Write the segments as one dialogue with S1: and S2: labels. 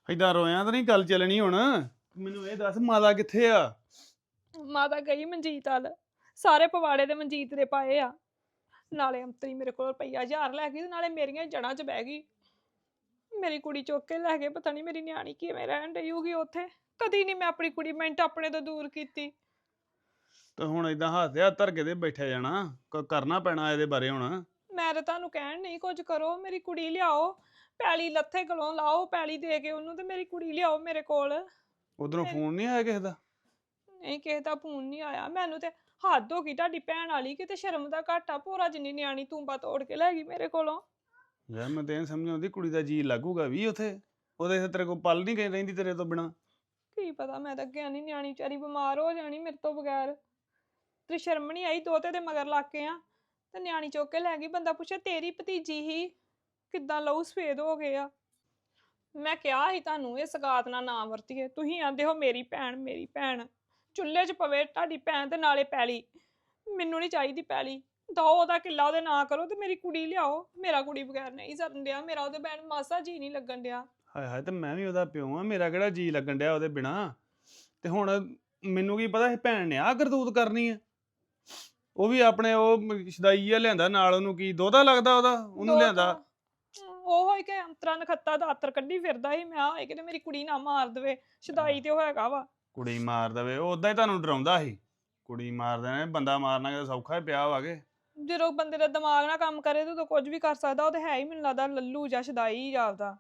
S1: ਏਦਾਂ ਰੋਇਆ ਤਾਂ ਨਹੀਂ ਗੱਲ ਚੱਲਣੀ ਹੁਣ। ਮੈਨੂੰ ਇਹ ਦੱਸ ਮਾਤਾ ਕਿੱਥੇ ਆ?
S2: ਮਾਤਾ ਗਈ ਮਨਜੀਤ ਵੱਲ। ਸਾਰੇ ਪਵਾੜੇ ਦੇ ਮਨਜੀਤ ਦੇ ਪਾਏ ਆ। ਨਾਲੇ ਅੰਤਰੀ ਮੇਰੇ ਕੋਲ ਰੁਪਈਆ 1000 ਲੈ ਗਈ ਤੇ ਨਾਲੇ ਮੇਰੀਆਂ ਜੜ੍ਹਾਂ 'ਚ ਬਹਿ ਗਈ। ਮੇਰੀ ਕੁੜੀ ਚੁੱਕ ਕੇ ਲੈ ਗਏ। ਪਤਾ ਨਹੀਂ ਮੇਰੀ ਨਿਆਣੀ ਕਿਵੇਂ ਰਹਿਣ ਡਈ ਹੋਊਗੀ ਉੱਥੇ। ਕਦੀ ਨਹੀਂ ਮੈਂ ਆਪਣੀ ਕੁੜੀ ਮਿੰਟ ਆਪਣੇ ਤੋਂ ਦੂਰ ਕੀਤੀ।
S1: ਤੇ ਹੁਣ ਏਦਾਂ ਹੱਥ ਹੱਥ ਧਰ ਕੇ ਤੇ ਬੈਠਿਆ ਜਾਣਾ, ਕਰਨਾ ਪੈਣਾ ਇਹਦੇ ਬਾਰੇ ਹੁਣ।
S2: ਮੈਂ ਤਾਂ ਤੁਹਾਨੂੰ ਕਹਿਣ ਨਹੀਂ ਕੁਝ ਕਰੋ, ਮੇਰੀ ਕੁੜੀ ਲਿਆਓ। ਪੈਲੀ ਲੱਥੇ ਗਲੋਂ ਲਾਓ, ਪੈਲੀ ਦੇ ਕੇ ਉਹਨੂੰ ਤੇ ਮੇਰੀ ਕੁੜੀ ਲਿਆਓ ਮੇਰੇ ਕੋਲ।
S1: ਉਧਰੋਂ ਫੋਨ ਨਹੀਂ ਆਇਆ ਕਿਸੇ ਦਾ?
S2: ਨਹੀਂ, ਕਿਸੇ ਦਾ ਫੋਨ ਨਹੀਂ ਆਇਆ। ਮੈਨੂੰ ਤੇ ਹੱਦ ਹੋ ਗਈ ਤੁਹਾਡੀ ਭੈਣ ਵਾਲੀ। ਕਿਤੇ ਸ਼ਰਮ ਦਾ ਘਾਟਾ, ਭੋਰਾ ਜਿੰਨੀ ਨਿਆਣੀ ਤੂੰਬਾ ਤੋੜ ਕੇ ਲੈ ਗਈ ਮੇਰੇ ਕੋਲੋਂ।
S1: ਯਾਰ ਮੈਂ ਤੇ ਇਹ ਸਮਝ ਆਉਂਦੀ ਕੁੜੀ ਦਾ ਜੀ ਲੱਗੂਗਾ ਵੀ ਉੱਥੇ? ਉਹਦੇ ਤੇਰੇ ਕੋਲ ਪਲ ਨਹੀਂ ਗਈ ਰਹਿੰਦੀ ਤੇਰੇ ਤੋਂ ਬਿਨਾ?
S2: ਕੀ ਪਤਾ, ਮੈਂ ਤਾਂ ਅੱਗੇ ਨਹੀਂ, ਨਿਆਣੀ ਵਿਚਾਰੀ ਬਿਮਾਰ ਹੋ ਜਾਣੀ ਮੇਰੇ ਤੋਂ ਬਗੈਰ। ਤੇ ਸ਼ਰਮ ਨਹੀਂ ਆਈ, ਦੋਤੇ ਦੇ ਮਗਰ ਲੱਗ ਕੇ ਆ ਤੇ ਨਿਆਣੀ ਚੁੱਕ ਕੇ ਲੈ ਗਈ। ਬੰਦਾ ਪੁੱਛੇ ਤੇਰੀ ਭਤੀਜੀ ਹੀ ਕਿੱਦਾਂ ਲਹੂ ਸਫੇਦ ਹੋ ਗਏ ਆ। ਮੈਂ ਕਿਹਾ ਸੀ ਤੁਹਾਨੂੰ ਇਹ ਸਗਾਤ ਨਾ ਵਰਤੀਏ। ਤੁਸੀਂ ਆਂਦੇ ਹੋ ਮੇਰੀ ਭੈਣ ਮੇਰੀ ਭੈਣ। ਚੁੱਲ੍ਹੇ 'ਚ ਪਵੇ ਤੁਹਾਡੀ ਭੈਣ ਤੇ ਨਾਲੇ ਪੈਲੀ। ਮੈਨੂੰ ਨਹੀਂ ਚਾਹੀਦੀ ਪੈਲੀ। ਦੋ ਉਹਦਾ ਕਿੱਲਾ ਉਹਦੇ ਨਾਂ ਕਰੋ ਤੇ ਮੇਰੀ ਕੁੜੀ ਲਿਆਓ। ਮੇਰਾ ਕੁੜੀ ਬਗੈਰ ਨਹੀਂ ਸਰਨ ਡਿਆ। ਮੇਰਾ ਉਹਦੇ ਭੈਣ ਮਾਸਾ ਜੀ ਨਹੀਂ ਲੱਗਣ ਡਿਆ।
S1: ਹਾਏ ਹਾਏ, ਤੇ ਮੈਂ ਵੀ ਉਹਦਾ ਪਿਓ ਆ, ਮੇਰਾ ਕਿਹੜਾ ਜੀ ਲੱਗਣ ਡਿਆ ਉਹਦੇ ਬਿਨਾ? ਤੇ ਹੁਣ ਮੈਨੂੰ ਕੀ ਪਤਾ ਇਹ ਭੈਣ ਨੇ ਆਹ ਕਰਤੂਤ ਕਰਨੀ ਆ। ਉਹ ਵੀ ਆਪਣੇ ਉਹ ਸ਼ਦਾਈ ਆ ਲਿਆਂਦਾ ਨਾਲ, ਉਹਨੂੰ ਕੀ ਦੋਹਤਾ ਲੱਗਦਾ ਉਹਦਾ, ਉਹਨੂੰ ਲਿਆਂਦਾ।
S2: ਉਹ ਹੋਈ ਕਿ ਅੰਤਰਾ ਨਖੱਤਾ ਦਾ ਆਤਰ ਕੱਢੀ ਫਿਰਦਾ ਸੀ। ਮੈਂ ਹੋਏ ਕਿਤੇ ਮੇਰੀ ਕੁੜੀ ਨਾ ਮਾਰ ਦੇਵੇ। ਸ਼ਦਾਈ ਤੇ ਉਹ ਹੈਗਾ ਵਾ।
S1: ਕੁੜੀ ਮਾਰ ਦੇਵੇ? ਉਹ ਉਦਾਂ ਹੀ ਤੁਹਾਨੂੰ ਡਰਾਉਂਦਾ ਸੀ। ਕੁੜੀ ਮਾਰ ਦੇਣਾ, ਬੰਦਾ ਮਾਰਨਾ ਕਿਤੇ ਸੌਖਾ ਹੀ ਪਿਆ ਵਾਗੇ।
S2: ਜਦੋਂ ਬੰਦੇ ਦਾ ਦਿਮਾਗ ਨਾ ਕੰਮ ਕਰੇ ਤੇ ਉਦੋਂ ਕੁਝ ਵੀ ਕਰ ਸਕਦਾ। ਉਹ ਤੇ ਹੈ ਹੀ ਮੈਨੂੰ ਲੱਗਦਾ ਲੱਲੂ ਜਾਂ ਸ਼ਦਾਈ ਜਾਪਦਾ।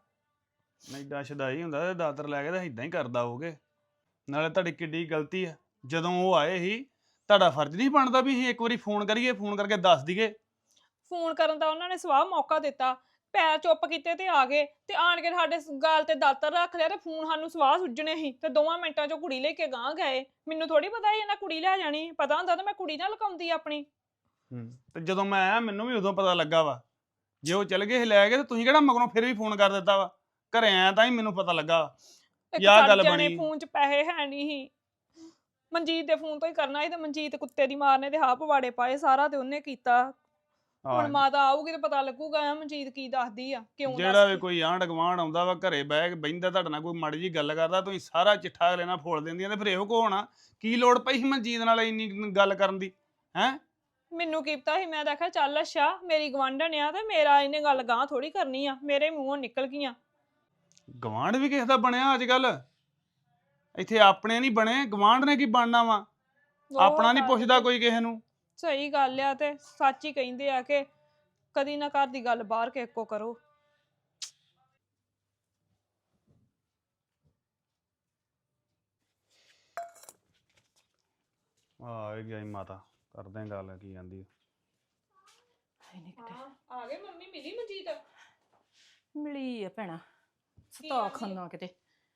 S1: ਐਡਾ ਸ਼ਦਾਈ ਹੁੰਦਾ ਤੇ ਦਾਤਰ ਲੈ ਕੇ ਤਾਂ ਇਦਾਂ ਹੀ ਕਰਦਾ ਹੋਗੇ। ਨਾਲੇ ਤੁਹਾਡੀ ਕਿੱਡੀ ਗਲਤੀ ਆ, ਜਦੋਂ ਉਹ ਆਏ ਸੀ ਤੁਹਾਡਾ ਫਰਜ਼ ਨਹੀਂ ਬਣਦਾ ਵੀ ਅਸੀਂ ਇੱਕ ਵਾਰੀ ਫੋਨ ਕਰੀਏ, ਫੋਨ ਕਰਕੇ ਦੱਸ ਦਈਏ?
S2: ਫੋਨ ਕਰਨ ਦਾ ਉਹਨਾਂ ਨੇ ਸਵਾਹ ਮੌਕਾ ਦਿੱਤਾ। ਪੈਰ ਚੁੱਪ ਕੀਤੇ ਤੇ ਆ ਗਏ ਤੇ ਆਣ ਕੇ ਸਾਡੇ ਗਾਲ ਤੇ ਦਾਤਰ ਰੱਖ ਲਿਆ ਤੇ ਫੋਨ ਸਾਨੂੰ ਸਵਾਹ ਸੁੱਜਣੇ ਸੀ ਤੇ 2 ਮਿੰਟਾਂ 'ਚ ਕੁੜੀ ਲੈ ਕੇ ਗਾਂ ਗਏ। ਮੈਨੂੰ ਥੋੜੀ ਪਤਾ ਸੀ ਇਹਨਾਂ ਕੁੜੀ ਲੈ ਜਾਣੀ। ਪਤਾ ਹੁੰਦਾ ਤਾਂ ਮੈਂ ਕੁੜੀ ਨਾਲ ਲੁਕਾਉਂਦੀ ਆਪਣੀ।
S1: ਤੇ ਜਦੋਂ ਮੈਂ ਆਇਆ ਮੈਨੂੰ ਵੀ ਉਦੋਂ ਪਤਾ ਲੱਗਾ ਵਾ। ਜੇ ਉਹ ਚਲ ਗਏ ਲੈ ਗਏ ਤੇ ਤੁਸੀਂ ਕਿਹੜਾ ਮਗਰੋਂ ਫਿਰ ਵੀ ਫੋਨ ਕਰ ਦਿੱਤਾ ਵਾ? ਘਰੇ ਆਇਆ ਤਾਂ ਹੀ ਮੈਨੂੰ ਪਤਾ ਲੱਗਾ ਆਹ ਗੱਲ ਬਣੀ।
S2: ਫੋਨ 'ਚ ਪੈਸੇ ਹੈ ਨਹੀਂ ਸੀ। ਮਨਜੀਤ ਦੇ ਫੋਨ ਤੋਂ ਹੀ ਕਰਨਾ ਸੀ ਤੇ ਮਨਜੀਤ ਕੁੱਤੇ ਦੀ ਮਾਰ ਨੇ ਤੇ ਹਾਂ ਪਵਾੜੇ ਪਾਏ। ਸਾਰਾ ਤੇ ਉਹਨੇ ਕੀਤਾ। ਹੁਣ ਮਾਤਾ ਆਊਗੀ ਤੇ ਪਤਾ ਲੱਗੂਗਾ ਮਨਜੀਤ ਕੀ ਦੱਸਦੀ ਆ, ਕਿਉਂ
S1: ਜਿਹੜਾ ਵੀ ਕੋਈ ਆਂਢ ਗੁਆਂਢ ਆਉਂਦਾ ਵਾ ਘਰੇ ਬਹਿ ਕੇ ਬਹਿੰਦਾ ਤੁਹਾਡੇ ਨਾਲ, ਕੋਈ ਮਾੜੀ ਜੀ ਗੱਲ ਕਰਦਾ, ਤੁਸੀਂ ਸਾਰਾ ਚਿੱਠਾ ਅਗਲੇ ਨਾਲ ਫੋਲ ਦਿੰਦੀਆਂ। ਤੇ ਫਿਰ ਇਹੋ ਕੋ ਹੋਣਾ ਕੀ ਲੋੜ ਪਈ ਸੀ ਮਨਜੀਤ ਨਾਲ ਇੰਨੀ ਗੱਲ ਕਰਨ ਦੀ? ਹੈਂ,
S2: ਮੈਨੂੰ ਕੀ ਪਤਾ ਸੀ। ਮੈਂ ਦੇਖਿਆ ਚੱਲ ਅੱਛਾ ਮੇਰੀ ਗਵਾਂਢਣ ਆ ਤੇ ਮੇਰਾ ਇਹਨੇ ਗੱਲ ਗਾਂ ਥੋੜੀ ਕਰਨੀ ਆ। ਮੇਰੇ ਮੂੰਹੋਂ ਨਿਕਲ ਗਈਆਂ।
S1: ਗਵਾਂਢ ਵੀ ਕਿਸੇ ਦਾ ਬਣਿਆ ਅੱਜ ਕੱਲ? ਇੱਥੇ ਆਪਣੇ ਨਹੀਂ ਬਣੇ, ਗਵਾਂਢ ਨੇ ਕੀ ਬਣਨਾ ਵਾ? ਆਪਣਾ ਨਹੀਂ ਪੁੱਛਦਾ ਕੋਈ ਕਿਸੇ ਨੂੰ।
S2: ਸਹੀ ਗੱਲ ਆ। ਤੇ ਸੱਚ ਹੀ ਕਹਿੰਦੇ ਆ ਕਿ ਕਦੀ ਨਾ ਘਰ ਦੀ ਗੱਲ ਬਾਹਰ ਕੇ ਇੱਕੋ ਕਰੋ।
S1: ਆ ਗਈ ਮਾਤਾ, ਕਰਦੇ ਆਂ ਗੱਲ ਕੀ ਜਾਂਦੀ।
S2: ਆ ਗਏ ਮੰਮੀ? ਮਿਲੀ ਮਨਜੀਤ?
S3: ਮਿਲੀ ਆ ਭੈਣਾ। ਸਤਾ ਖਾਨਾ ਕਿਤੇ।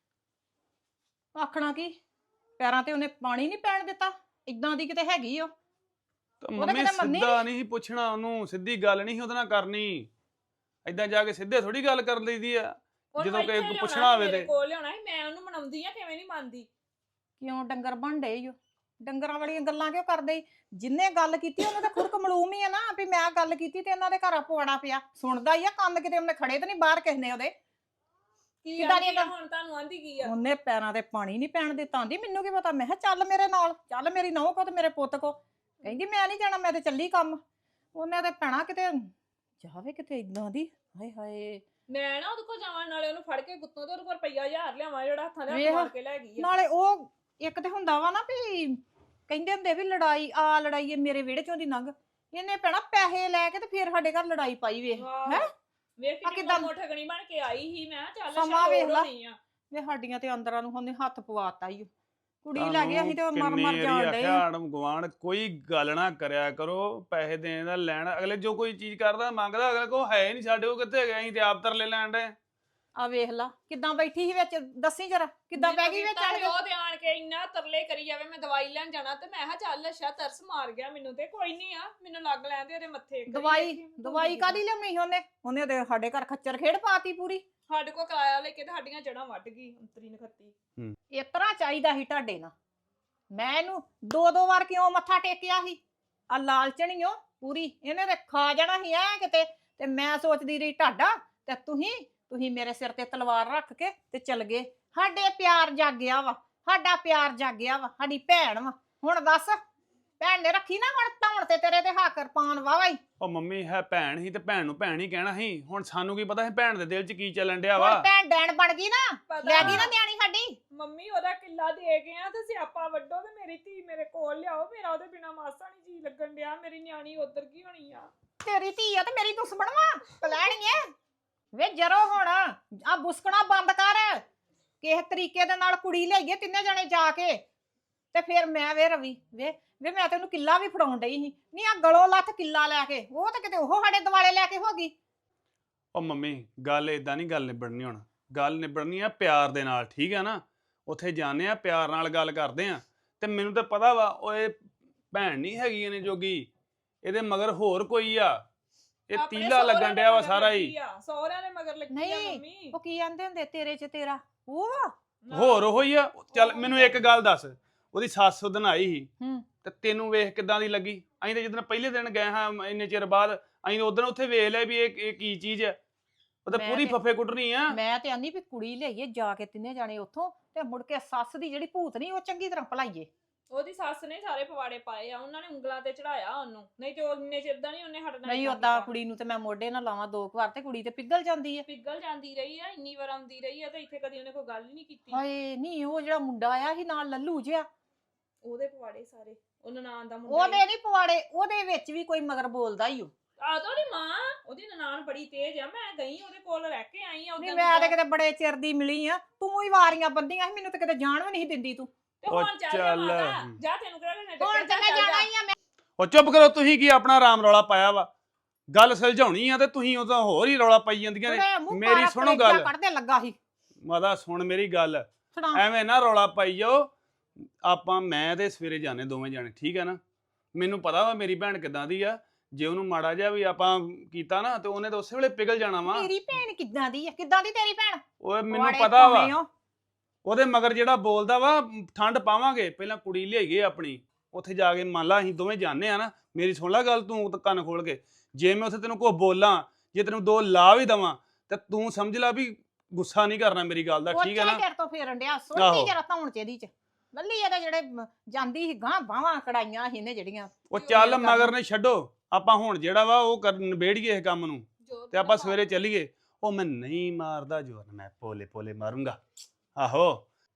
S3: ਆਖਣਾ ਕੀ, ਪੈਰਾਂ ਤੇ ਉਹਨੇ ਪਾਣੀ ਨਹੀਂ ਪੈਣ ਦਿੱਤਾ। ਇਦਾਂ ਦੀ ਕਿਤੇ ਹੈਗੀ ਉਹ।
S1: ਮੰਮੀ ਸਿੱਧਾ ਨਹੀਂ ਪੁੱਛਣਾ ਉਹਨੂੰ, ਸਿੱਧੀ ਗੱਲ ਨਹੀਂ ਉਹਦੇ ਨਾਲ ਕਰਨੀ। ਏਦਾਂ ਜਾ ਕੇ ਸਿੱਧੇ ਥੋੜੀ ਗੱਲ ਕਰ ਲਈਦੀ ਆ। ਜਦੋਂ ਕੋਈ ਪੁੱਛਣਾ ਹੋਵੇ ਤੇ
S2: ਕੋਲ ਲਿਆਉਣਾ ਸੀ। ਮੈਂ ਉਹਨੂੰ ਮਨਾਉਂਦੀ ਆ, ਕਿਵੇਂ ਨਹੀਂ ਮੰਨਦੀ?
S3: ਕਿਉਂ ਡੰਗਰ ਬਣ ਡੇ ਈ ਓ। ਡੰਗਰਾਂ ਵਾਲੀਆਂ ਗੱਲਾਂ ਕਿਉਂ ਕਰਦੇ? ਜਿੰਨੇ ਗੱਲ ਕੀਤੀ ਉਹਨੇ ਤਾਂ ਖੁਰਕ ਮਲੂਮ ਹੀ ਆ ਨਾ ਵੀ ਮੈਂ ਗੱਲ ਕੀਤੀ ਤੇ ਇਹਨਾਂ ਦੇ ਘਰ ਪਵਾੜਾ ਪਿਆ। ਸੁਣਦਾ ਹੀ ਆ ਕੰਨ, ਕਿਤੇ ਉਹਨੇ ਖੜੇ ਤੇ ਨਹੀਂ ਬਾਹਰ ਕਿਸ ਨੇ ਉਹਦੇ।
S2: ਕਿਦਾਂ ਦੀਆਂ ਹੁਣ ਤੁਹਾਨੂੰ ਆਂਦੀ ਕੀ ਆ?
S3: ਉਹਨੇ ਪੈਰਾਂ ਤੇ ਪਾਣੀ ਨਹੀਂ ਪੈਣ ਦਿੱਤਾ। ਆਂਦੀ ਮੈਨੂੰ ਕੀ ਪਤਾ। ਮੈਂ ਕਿਹਾ ਚੱਲ ਮੇਰੇ ਨਾਲ, ਚੱਲ ਮੇਰੀ ਨਹੁੰ ਕੋ ਤੇ ਮੇਰੇ ਪੁੱਤ ਕੋ। ਕਹਿੰਦੀ ਮੈਂ ਨਹੀਂ ਜਾਣਾ, ਮੈਂ ਤੇ ਚੱਲੀ ਕੰਮ। ਉਹਨੇ ਤੇ ਭੈਣਾ ਕਿਤੇ ਜਾਵੇ ਕਿਤੇ ਇਦਾਂ ਦੀ। ਹਾਏ ਹਾਏ,
S2: ਮੈਂ ਨਾ ਉਹਦੇ ਕੋਲ ਜਾਵਾਂ, ਨਾਲੇ ਉਹਨੂੰ ਫੜ ਕੇ ਗੁੱਤੋਂ ਤੇ ਉਹਦੇ ਕੋਲ ਰੁਪਈਆ 1000 ਲਿਆਵਾਂ ਜਿਹੜਾ ਹੱਥਾਂ ਦੇ ਹੱਥ ਮਾਰ ਕੇ ਲੈ ਗਈ ਆ।
S3: ਨਾਲੇ ਉਹ ਇੱਕ ਤੇ ਹੁੰਦਾ ਵਾ ਨਾ ਵੀ ਕਹਿੰਦੇ ਹੁੰਦੇ ਵੀ ਲੜਾਈ ਆ ਲੜਾਈ ਮੇਰੇ ਵਿਹੜੇ ਚੋਂ ਦੀ ਲੰਘ। ਇਹਨੇ ਭੈਣਾ ਪੈਸੇ ਲੈ ਕੇ ਤੇ ਫਿਰ ਸਾਡੇ ਘਰ ਲੜਾਈ ਪਾਈ ਵੇਖ। ਹੈ
S2: ਵੇਖ ਕਿੰਨੀ ਮੋਠਗਣੀ ਬਣ ਕੇ ਆਈ ਸੀ। ਮੈਂ ਚੱਲ
S3: ਸਮਾਂ ਵੇਖ ਲਾ ਵੇ ਸਾਡੀਆਂ ਤੇ ਅੰਦਰਾਂ ਨੂੰ ਉਹਨੇ ਹੱਥ ਪਵਾਤਾ ਈ। ਕੁੜੀ ਲੈ ਗਈ ਅਸੀਂ ਤੇ ਮਰ ਜਾਣ ਡੇ।
S1: ਆੜਮ ਗਵਾਂਢ ਕੋਈ ਗੱਲ ਨਾ ਕਰਿਆ ਕਰੋ। ਪੈਸੇ ਦੇਣ ਦਾ ਲੈਣ, ਅਗਲੇ ਜੋ ਕੋਈ ਚੀਜ਼ ਕਰਦਾ ਮੰਗਦਾ, ਅਗਲੇ ਕੋ ਹੈ ਨਹੀਂ ਸਾਡੇ ਕੋਲ, ਕਿੱਥੇ ਗਏ ਅਸੀਂ ਤੇ ਆਪ ਤਰਲੇ ਲੈਣ ਡੇ।
S3: ਆ ਵੇਖ ਲਾ ਕਿੱਦਾਂ ਬੈਠੀ ਸੀ ਵਿੱਚ, ਦੱਸੀ ਜਰਾ ਕਿੱਦਾਂ ਬਹਿ ਗਈ ਵਿੱਚ ਆਣ ਕੇ।
S2: ਉਹ ਤੇ ਆਣ ਕੇ ਇੰਨਾ ਤਰਲੇ ਕਰੀ ਜਾਵੇ। ਮੈਂ ਦਵਾਈ ਲੈਣ ਜਾਣਾ ਤੇ ਮੈਂ ਕਿਹਾ ਚੱਲ ਅੱਛਾ ਤਰਸ ਮਾਰ ਗਿਆ ਮੈਨੂੰ ਤੇ ਕੋਈ ਨਹੀਂ ਆ, ਮੈਨੂੰ ਲੱਗ ਲੈਂਦੇ ਉਹਦੇ ਮੱਥੇ।
S3: ਦਵਾਈ ਕਾਦੀ ਲਿਆਉਣੀ ਸੀ ਉਹਨੇ ਤੇ ਸਾਡੇ ਘਰ ਖੱਚਰ ਖੇਡ ਪਾਤੀ ਪੂਰੀ।
S2: ਸਾਡੇ ਕੋਲ ਕਿਰਾਇਆ ਲੈ ਕੇ ਤੇ ਸਾਡੀਆਂ ਜੜਾਂ ਵੱਢ ਗਈ ਅੰਤਰੀ ਨਖੱਤੀ।
S3: ਇਸ ਤਰ੍ਹਾਂ ਚਾਹੀਦਾ ਸੀ ਤੁਹਾਡੇ ਨਾਲ। ਮੈਂ ਇਹਨੂੰ 2-2 ਵਾਰ ਕਿਉਂ ਮੱਥਾ ਟੇਕਿਆ ਸੀ? ਆ ਲਾਲਚਣੀ ਓ ਪੂਰੀ। ਇਹਨੇ ਤੇ ਖਾ ਜਾਣਾ ਸੀ ਐ ਕਿਤੇ। ਤੇ ਮੈਂ ਸੋਚਦੀ ਰਹੀ ਤੁਹਾਡਾ ਤੇ ਤੁਸੀਂ ਤੁਸੀਂ ਮੇਰੇ ਸਿਰ ਤੇ ਤਲਵਾਰ ਰੱਖ ਕੇ ਤੇ ਚਲ ਗਏ। ਸਾਡੇ ਪਿਆਰ ਜਾਗਿਆ ਵਾ, ਸਾਡਾ ਪਿਆਰ ਜਾਗਿਆ ਵਾ, ਸਾਡੀ ਭੈਣ ਵਾ। ਹੁਣ ਦੱਸ ਭੈਣ ਨੇ ਰੱਖੀ ਨਾ ਹੁਣ ਧੌਣ ਤੇ ਤੇਰੇ ਤੇ ਹੱਕ ਪਾਉਣ ਵਾਵਾ ਹੀ।
S1: ਉਹ ਮੰਮੀ ਹੈ ਭੈਣ ਹੀ ਤੇ ਭੈਣ ਨੂੰ ਭੈਣ ਹੀ ਕਹਿਣਾ ਸੀ। ਹੁਣ ਸਾਨੂੰ ਕੀ ਪਤਾ ਸੀ ਭੈਣ ਦੇ ਦਿਲ 'ਚ ਕੀ ਚੱਲਣ ਡਿਆ ਵਾ।
S3: ਹੁਣ ਭੈਣ ਡੈਣ ਬਣ ਗਈ ਨਾ, ਲੈ ਗਈ ਨਾ ਨਿਆਣੀ ਸਾਡੀ।
S2: ਮੰਮੀ ਉਹਦਾ ਕਿੱਲਾ ਦੇ ਗਏ ਆ ਤੇ ਸਿਆਪਾ ਵੱਡੋ ਤੇ ਮੇਰੀ ਧੀ ਮੇਰੇ ਕੋਲ ਲਿਆਓ। ਮੇਰਾ ਉਹਦੇ ਬਿਨਾ ਮਾਸਾ ਨਹੀਂ ਜੀ ਲੱਗਣ ਡਿਆ। ਮੇਰੀ ਨਿਆਣੀ ਉਧਰ ਕੀ ਹੋਣੀ ਆ?
S3: ਤੇਰੀ ਧੀ ਆ ਤੇ ਮੇਰੀ ਦੁਸ਼ਮਣ ਵਾ, ਕਲੈਣੀਏ ਵੇ ਜਰੋ। ਹੁਣ ਆ ਬੁਸਕਣਾ ਬੰਦ ਕਰ। ਕਿਸ ਤਰੀਕੇ ਦੇ ਨਾਲ ਕੁੜੀ ਲਈਏ ਤਿੰਨੇ ਜਣੇ ਜਾ ਕੇ ਤੇ ਫਿਰ ਮੈਂ ਵੇ ਰਵੀ ਵੇ ਮੈਂ ਤੈਨੂੰ ਕਿੱਲਾ ਵੀ ਫੜਾਉਣ ਡਈ ਸੀ। ਨਹੀਂ ਆ ਗਲੋਂ ਲੱਥ ਕਿੱਲਾ ਲੈ ਕੇ, ਉਹ ਤਾਂ ਕਿਤੇ ਉਹ ਸਾਡੇ ਦਿਵਾਲੇ ਲੈ ਕੇ ਹੋ ਗਈ।
S1: ਉਹ ਮੰਮੀ ਗੱਲ ਇਦਾਂ ਨਹੀਂ ਗੱਲ ਨਿਬੜਨੀ। ਹੁਣ ਗੱਲ ਨਿਬੜਨੀ ਆ ਪਿਆਰ ਦੇ ਨਾਲ, ਠੀਕ ਆ ਨਾ। ਉੱਥੇ ਜਾਂਦੇ ਆ ਪਿਆਰ ਨਾਲ ਗੱਲ ਕਰਦੇ ਆ। ਤੇ ਮੈਨੂੰ ਤਾਂ ਪਤਾ ਵਾ ਉਹ ਇਹ ਭੈਣ ਨਹੀਂ ਹੈਗੀ ਇਹਨੇ ਜੋਗੀ, ਇਹਦੇ ਮਗਰ ਹੋਰ ਕੋਈ ਆ। ਇਹ
S2: ਆਪਣੇ
S1: ਤੀਲਾ ਲੱਗਣ
S2: ਸਹੁਰਿਆਂ
S1: ਡਿਆ ਵਾ
S2: ਦੇ
S1: ਸਾਰਾ
S2: ਮਗਰ
S1: ਹੀ।
S2: ਲੱਗੀ ਆ, ਸਹੁਰਿਆਂ ਦੇ ਮਗਰ ਲੱਗੀ ਆ
S3: ਨਹੀਂ
S2: ਮੰਮੀ।
S3: ਉਹ ਕੀ ਆਂਦੇ ਹੁੰਦੇ ਤੇਰੇ ਚ ਤੇਰਾ ਉਹ ਵਾ।
S1: ਹੋਰ ਉਹੋ ਹੀ ਆ। ਚੱਲ ਮੈਨੂੰ ਇੱਕ ਗੱਲ ਦੱਸ, ਉਹਦੀ ਸੱਸ ਉਦਣ ਆਈ ਸੀ
S3: ਹੂੰ
S1: ਤੇ ਤੈਨੂੰ ਵੇਖ ਕਿਦਾਂ ਦੀ ਲੱਗੀ? ਅਸੀਂ ਤਾਂ ਜਦੋਂ ਪਹਿਲੇ ਦਿਨ ਗਏ ਹਾਂ ਇੰਨੇ ਚਿਰ ਬਾਅਦ, ਅਸੀਂ ਉਦੋਂ ਉੱਥੇ ਵੇਖ ਲਿਆ ਵੀ ਇਹ ਕੀ ਚੀਜ਼ ਹੈ। ਉਹ ਤਾਂ
S3: ਮੈਂ
S1: ਪੂਰੀ
S3: ਤੇ-
S1: ਫੱਫੇ ਕੁੱਟਣੀ ਆ।
S3: ਮੈਂ ਤੇ ਆਂਦੀ ਵੀ ਕੁੜੀ ਲਈਏ ਜਾ ਕੇ ਤਿੰਨੇ ਜਾਣੇ ਉੱਥੋਂ ਤੇ ਮੁੜ ਕੇ ਸੱਸ ਦੀ ਜਿਹੜੀ ਭੂਤ ਨਹੀਂ ਉਹ ਚੰਗੀ ਤਰ੍ਹਾਂ ਭਲਾਈਏ।
S2: ਉਹਦੀ ਸੱਸ ਨੇ ਸਾਰੇ ਪਵਾੜੇ ਪਾਏ ਆ, ਉਹਨਾਂ ਨੇ ਉਂਗਲਾਂ ਤੇ ਚੜਾਇਆ ਉਹਨੂੰ। ਨਹੀਂ ਤੇ ਉਹਨੇ ਚਿਰਦਾ ਨਹੀਂ ਉਹਨੇ ਹਟਣਾ।
S3: ਨਹੀਂ ਓਦਾਂ ਕੁੜੀ ਨੂੰ ਤੇ ਮੈਂ ਮੋਢੇ ਨਾਲ ਲਾਵਾਂ 2 ਵਾਰ ਤੇ ਕੁੜੀ ਤੇ ਪਿਗਲ ਜਾਂਦੀ ਹੈ।
S2: ਪਿੱਗਲ ਜਾਂਦੀ ਰਹੀ ਆ, ਇੰਨੀ ਵਾਰ ਆਉਂਦੀ ਰਹੀ ਆ ਤੇ ਇੱਥੇ ਕਦੀ ਉਹਨੇ ਕੋਈ ਗੱਲ ਹੀ ਨਹੀਂ ਕੀਤੀ।
S3: ਹਾਏ ਨਹੀਂ ਉਹ ਜਿਹੜਾ ਮੁੰਡਾ ਆਇਆ ਸੀ ਨਾਲ ਲੱਲੂ ਜਿਹਾ,
S2: ਉਹਦੇ ਪਵਾੜੇ ਸਾਰੇ। ਉਹ ਨਨਾਣ ਦਾ ਮੁੰਡਾ
S3: ਉਹਦੇ ਨਹੀਂ ਪਵਾੜੇ, ਉਹਦੇ ਵਿੱਚ ਵੀ ਕੋਈ ਮਗਰ ਬੋਲਦਾ ਹੀ ਉਹ।
S2: ਆਦੋ ਦੀ ਮਾਂ, ਉਹਦੀ ਨਨਾਣ ਬੜੀ ਤੇਜ਼ ਆ। ਮੈਂ ਗਈ ਉਹਦੇ ਕੋਲ ਰਹਿ ਕੇ ਆਈ ਆ
S3: ਨਹੀਂ
S2: ਉਦੋਂ
S3: ਮੈਂ ਤੇ ਕਿਤੇ ਬੜੇ ਚਿਰ ਦੀ ਮਿਲੀ ਆ, ਤੂੰ ਹੀ ਵਾਰੀਆਂ ਬੰਦੀਆਂ ਸੀ, ਮੈਨੂੰ ਤੇ ਕਿਤੇ ਜਾਣ ਵੀ ਨਹੀਂ ਦਿੰਦੀ ਤੂੰ।
S2: ਤੇ
S1: ਉਹ
S2: ਹੁਣ ਚੱਲ
S1: ਚੱਲ।
S2: ਮਾਤਾ ਜਾ, ਤੈਨੂੰ ਕਿਹੜਾ ਨੇ
S3: ਹੁਣ ਤੇ ਮੈਂ ਜਾਣਾ ਹੀ ਆ। ਮੈਂ
S1: ਉਹ ਚੁੱਪ ਕਰੋ, ਤੁਸੀਂ ਕੀ ਆਪਣਾ ਰਾਮ ਰੌਲਾ ਪਾਇਆ ਵਾ? ਗੱਲ ਸੁਲਝਾਉਣੀ ਆ ਤੇ ਤੁਸੀਂ ਉਹ ਤਾਂ ਹੋਰ ਹੀ ਰੌਲਾ ਪਾਈ ਜਾਂਦੀਆਂ ਨੇ।
S3: ਉਹਦੇ ਮੂੰਹ
S1: ਮੇਰੀ
S3: ਪਾਰਾ
S1: ਸੁਣੋ
S3: ਕਲੇਜਾ
S1: ਗੱਲ।
S3: ਕੱਢਦੇ ਲੱਗਾ ਸੀ।
S1: ਮਾਤਾ ਸੁਣ ਮੇਰੀ ਗੱਲ,
S3: ਸੁਣਾ
S1: ਐਵੇਂ ਨਾ ਰੌਲਾ ਪਾਈ ਜਾਓ। ਆਪਾਂ ਮੈਂ ਤੇ ਸਵੇਰੇ ਜਾਣੇ ਦੋਵੇਂ ਜਾਣੇ, ਠੀਕ ਹੈ ਨਾ। ਮੈਨੂੰ ਪਤਾ ਵਾ ਮੇਰੀ ਭੈਣ ਕਿਦਾਂ ਦੀ ਆ। ਜੇ ਉਹਨੂੰ ਮਾੜਾ ਜਿਹਾ ਵੀ ਆਪਾਂ ਕੀਤਾ ਨਾ ਤੇ ਉਹਨੇ ਤਾਂ ਉਸੇ ਵੇਲੇ ਪਿਘਲ ਜਾਣਾ ਵਾ।
S3: ਮੇਰੀ ਭੈਣ ਕਿੱਦਾਂ ਦੀ ਆ? ਕਿੱਦਾਂ ਦੀ ਤੇਰੀ ਭੈਣ?
S1: ਓਏ ਮੈਨੂੰ
S3: ਪਵਾੜੇ
S1: ਪਤਾ ਵਾ
S3: ਪਾਉਣੇ ਓ।
S1: ਉਹਦੇ ਮਗਰ ਜਿਹੜਾ ਬੋਲਦਾ ਵਾ ਠੰਡ ਪਾਵਾਂਗੇ। ਪਹਿਲਾਂ ਕੁੜੀ ਲਿਆਈਏ ਆਪਣੀ, ਉੱਥੇ ਜਾ ਕੇ ਮੰਨ ਲਾ ਅਸੀਂ ਦੋਵੇਂ ਜਾਣੇ ਆ ਨਾ। ਮੇਰੀ ਸੁਣ ਲੈ ਗੱਲ, ਤੂੰ ਤਾਂ ਕੰਨ ਖੋਲ ਕੇ। ਜੇ ਮੈਂ ਉੱਥੇ ਤੈਨੂੰ ਕੋਈ ਬੋਲਾਂ, ਜੇ ਤੈਨੂੰ 2 ਲਾ ਵੀ ਦਵਾਂ ਤੇ ਤੂੰ ਸਮਝ ਲੈ ਵੀ ਗੁੱਸਾ ਨਹੀਂ ਕਰਨਾ ਮੇਰੀ ਗੱਲ ਦਾ, ਠੀਕ ਹੈ ਨਾ।
S3: ਤੇਰੇ ਤੋਂ ਫੇਰਨ ਡਿਆ
S1: ਆਹੋ।
S3: ਸੋਹਣੀ ਜਰਾ ਧੌਣ ਚ ਇਹਦੀ ਚ ਲੱਲੀ ਇਹਦੇ ਜਿਹੜੇ ਜਾਂਦੀ ਸੀ ਗਾਂ ਬਾਹਾਂ ਕੜਾਈਆਂ ਸੀ ਇਹਨੇ ਜਿਹੜੀਆਂ।
S1: ਉਹ ਚੱਲ ਮਗਰ ਨੇ ਛੱਡੋ। ਆਪਾਂ ਹੁਣ ਜਿਹੜਾ ਵਾ ਉਹ ਨਿਬੇੜੀਏ ਇਸ ਕੰਮ ਨੂੰ ਤੇ ਆਪਾਂ ਸਵੇਰੇ ਚੱਲੀਏ। ਉਹ ਮੈਂ ਨਹੀਂ ਮਾਰਦਾ ਜ਼ੋਰ, ਮੈਂ ਪੋਲੇ ਪੋਲੇ ਮਾਰੂੰਗਾ। ਆਹੋ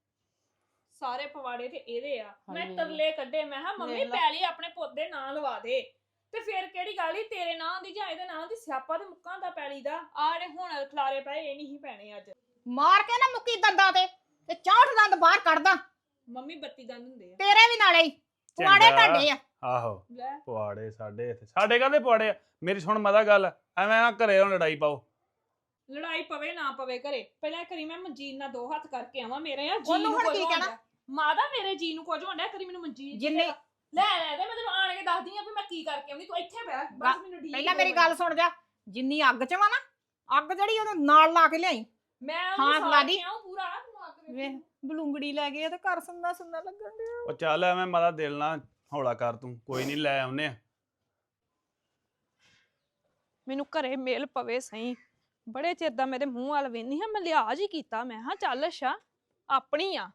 S2: ਸਾਰੇ ਪਵਾੜੇ ਤੇ ਇਹਦੇ ਆ। ਮੈਂ
S3: ਹਾਏ।
S2: ਤਰਲੇ ਕੱਢੇ। ਮੈਂ ਕਿਹਾ ਮੰਮੀ
S3: ਵੇਖ ਲਾ।
S2: ਪੈਲੀ ਆਪਣੇ ਪੁੱਤ ਦੇ ਨਾਂ ਲਵਾ ਦੇ। ਤੇ ਫਿਰ ਕਿਹੜੀ ਗੱਲ ਈ ਤੇਰੇ ਨਾਂ ਦੀ ਜਾਂ ਇਹਦੇ ਨਾਂ ਦੀ? ਸਿਆਪਾ ਤੇ ਮੁੱਕਾਂ ਦਾ ਪੈਲੀ ਦਾ। ਆ ਜਿਹੜੇ ਹੁਣ ਖਲਾਰੇ ਪਏ ਇਹ ਨਹੀਂ ਪੈਣੇ ਅੱਜ।
S3: ਮਾਰ ਕੇ ਨਾ ਮੁੱਕੀ ਦੰਦਾਂ ਤੇ 64 ਦੰਦ ਬਾਹਰ ਕੱਢਦਾ।
S2: ਮੰਮੀ 32 ਦੰਦ ਹੁੰਦੇ ਆ।
S3: ਤੇਰੇ ਵੀ ਨਾਲੇ ਹੀ ਪੁਆੜੇ
S1: ਚੰਗਾ।
S3: ਤੁਹਾਡੇ ਆ।
S1: ਆਹੋ
S2: ਲੈ
S1: ਪਵਾੜੇ ਸਾਡੇ ਇੱਥੇ। ਸਾਡੇ ਕਾਹਦੇ ਪਵਾੜੇ ਆ? ਮੇਰੀ ਸੁਣ ਮਦਾ ਗੱਲ, ਐਵੇਂ ਨਾ ਘਰੇ ਹੁਣ ਲੜਾਈ ਪਾਓ।
S2: ਲੜਾਈ ਪਵੇ ਨਾ ਪਵੇ ਘਰੇ, ਪਹਿਲਾਂ ਕਰੀ ਮੈਂ ਮਨਜੀਤ ਨਾਲ 2 ਹੱਥ ਕਰਕੇ ਆਵਾਂ। ਮੇਰੇ ਆ ਜੀ
S3: ਉਹਨੂੰ
S2: ਨੂੰ
S3: ਹੁਣ
S2: ਕੁਝ
S3: ਕੀ
S2: ਹੋਣ
S3: ਕਹਿਣਾ?
S2: ਡਿਆ। ਮਾਦਾ ਮੇਰੇ ਜੀ ਨੂੰ ਕੁਝ ਹੋਣਾ। ਕਰੀ ਮੈਨੂੰ ਮਨਜੀਤ
S3: ਜਿੰਨੇ
S2: ਲੈ ਤੇ ਮੈਂ ਤੈਨੂੰ ਆਣ ਕੇ ਦੱਸਦੀ ਆ ਵੀ ਮੈਂ ਕੀ ਕਰਕੇ ਆਉਂਦੀ। ਤੂੰ ਇੱਥੇ ਬਹਿ ਬਸ, ਮੈਨੂੰ ਢੀਕ
S3: ਪਹਿਲਾਂ ਮੇਰੀ ਗੱਲ ਸੁਣ ਜਾ। ਜਿੰਨੀ ਅੱਗ ਚ ਵਾ ਨਾ, ਅੱਗ ਜਿਹੜੀ ਉਹਨੂੰ ਨਾਲ ਲਾ ਕੇ ਲਿਆਈ।
S2: ਮੈਂ
S3: ਹਾਂ,
S2: ਉਹਨੂੰ
S3: ਲਾ
S2: ਸਾੜ
S3: ਦੀ।
S2: ਕੇ ਆਊਂ ਪੂਰਾ ਤੂੰ ਅੱਗ ਵੇਖ।
S3: ਵੇਖ ਬਲੂੰਗੜੀ ਲੈ ਗਏ ਤੇ ਘਰ ਸੁੰਨਾ ਸੁੰਨਾ ਲੱਗਣ ਡਿਆ।
S1: ਉਹ ਚੱਲ ਐਵੇਂ ਮਦਾ ਦਿਲ ਨਾ ਹੌਲਾ ਕਰ ਤੂੰ। ਕੋਈ ਨਹੀਂ ਲੈ ਆਉਨੇ ਆ।
S2: ਮੈਨੂੰ ਘਰੇ ਮੇਲ ਪਵੇ ਸਹੀ। ਬੜੇ ਚਿਰ ਦਾ ਮੇਰੇ ਮੂੰਹ ਵੱਲ ਵੇਂਦੀ ਹਾਂ। ਮੈਂ ਲਿਹਾਜ਼ ਹੀ ਕੀਤਾ। ਮੈਂ ਹਾਂ ਚੱਲ ਅੱਛਾ ਆਪਣੀ ਆ।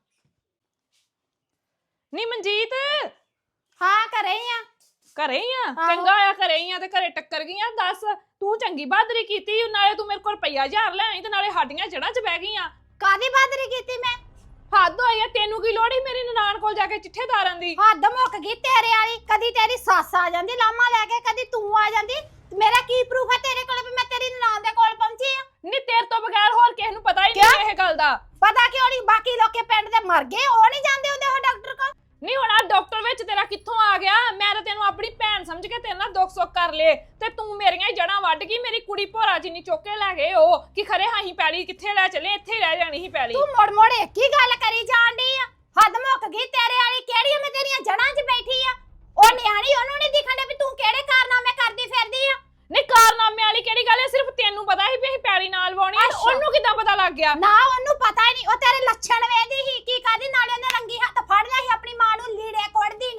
S2: ਨੀ ਮਨਜੀਤ
S3: ਹਾਂ ਘਰੇ ਹੀ ਆ।
S2: ਘਰੇ ਹੀ ਆ?
S3: ਆਹੋ।
S2: ਚੰਗਾ ਆ ਘਰੇ ਹੀ ਆ ਤੇ ਘਰੇ ਟੱਕਰ ਗਈਆਂ। ਦੱਸ ਤੂੰ ਚੰਗੀ ਬਹਾਦਰੀ ਕੀਤੀ। ਨਾਲੇ ਤੂੰ ਮੇਰੇ ਕੋਲ ਰੁਪਈਆ 1000 ਲੈ ਆਈ ਤੇ ਨਾਲੇ ਸਾਡੀਆਂ ਜੜ੍ਹਾਂ 'ਚ ਬਹਿ ਗਈਆਂ।
S3: ਕਾਦੀ ਬਹਾਦਰੀ ਕੀਤੀ ਮੈਂ?
S2: ਹੱਦ ਹੋਈ ਆ। ਤੈਨੂੰ ਕੀ ਲੋੜ ਈ ਮੇਰੀ ਨਨਾਣ ਕੋਲ ਜਾ ਕੇ ਚਿੱਠੇ ਤਾਰਨ ਦੀ?
S3: ਹੱਦ ਮੁੱਕ ਗਈ ਤੇਰੇ ਵਾਲੀ। ਕਦੀ ਤੇਰੀ ਸੱਸ ਆ ਜਾਂਦੀ ਲਾਮਾ ਲੈ ਕੇ, ਕਦੀ ਤੂੰ ਆ ਜਾਂਦੀ। ਮੇਰਾ ਕੀ ਪ੍ਰੂਫ ਹੈ ਤੇਰੇ ਕੋਲ ਵੀ ਮੈਂ ਤੇਰੀ ਨਨਾਣ ਦੇ ਕੋਲ ਪਹੁੰਚੀ ਆ?
S2: ਨੀ ਤੇਰੇ ਤੋਂ ਬਗੈਰ ਹੋਰ ਕਿਸੇ ਨੂੰ ਪਤਾ ਹੀ ਨਹੀਂ ਇਹ ਗੱਲ ਦਾ।
S3: ਪਤਾ ਕਿਉਂ ਨਹੀਂ? ਬਾਕੀ ਲੋਕੇ ਪਿੰਡ ਦੇ ਮਰ ਗਏ, ਉਹ ਨਹੀਂ ਜਾਂਦੇ ਹੁੰਦੇ ਉਹ ਡਾਕਟਰ ਕੋਲ।
S2: ਨਹੀਂ ਹੁਣ ਆ ਡਾਕਟਰ ਵਿੱਚ ਤੇਰਾ ਕਿੱਥੋਂ ਆ ਗਿਆ? ਮੈਂ ਤਾਂ ਤੈਨੂੰ ਆਪਣੀ ਭੈਣ ਸਮਝ ਕੇ ਤੇਰੇ ਨਾਲ ਦੁੱਖ ਸੁੱਖ ਕਰ ਲੇ ਤੇ ਤੂੰ ਮੇਰੀਆਂ ਹੀ ਜੜਾਂ ਵੱਢ ਗਈ। ਮੇਰੀ ਕੁੜੀ ਭੋਰਾ ਜਿੰਨੀ ਚੁੱਕ ਕੇ ਲੈ ਗਏ ਉਹ ਕਿ ਖਰੇ ਹਾਂ ਹੀ ਪੈਲੀ ਕਿੱਥੇ ਲੈ ਚੱਲੇ? ਇੱਥੇ ਹੀ ਰਹਿ ਜਾਣੀ ਸੀ ਪੈਲੀ।
S3: ਤੂੰ ਮੋੜ ਮੋੜ ਇੱਕ ਹੀ ਗੱਲ ਕਰੀ ਜਾਂਦੀ ਆ। ਹੱਦ ਮੁੱਕ ਗਈ ਤੇਰੇ ਵਾਲੀ। ਕਿਹੜੀ ਮੈਂ ਤੇਰੀਆਂ ਜੜਾਂ 'ਚ ਬੈਠੀ ਆ? ਉਹ ਨਿਆਣੀ, ਉਹਨੂੰ ਨਹੀਂ ਦਿਖਣ ਡਿਆ ਵੀ ਤੂੰ ਕਿਹੜੇ ਕਾਰਨਾਮੇ ਕਰਦੀ ਫਿਰਦੀ ਆ?
S2: ਨਹੀਂ ਕਾਰਨਾਮੇ ਵਾਲੀ ਕਿਹੜੀ ਗੱਲ ਹੈ? ਸਿਰਫ ਤੈਨੂੰ ਪਤਾ ਸੀ ਵੀ ਅਸੀਂ ਪੈਲੀ ਨਾਲ ਵਾਉਣੀ ਹੈ। ਉਹਨੂੰ ਕਿੱਦਾਂ ਪਤਾ ਲੱਗ ਗਿਆ?
S3: ਨਾ ਉਹਨੂੰ ਪਤਾ ਹੀ ਨਹੀਂ। ਉਹ ਤੇਰੇ ਲੱਛਣ ਵੇਂਦੀ ਸੀ ਕੀ ਕਰਦੀ। ਨਾਲੇ ਉਹਨੇ ਰੰਗੀ ਹੱਥ ਫੜ ਲਿਆ ਸੀ ਆਪਣੀ ਮਾਂ ਨੂੰ ਲੀੜੇ ਕੋੜਦੀ ਨੂੰ।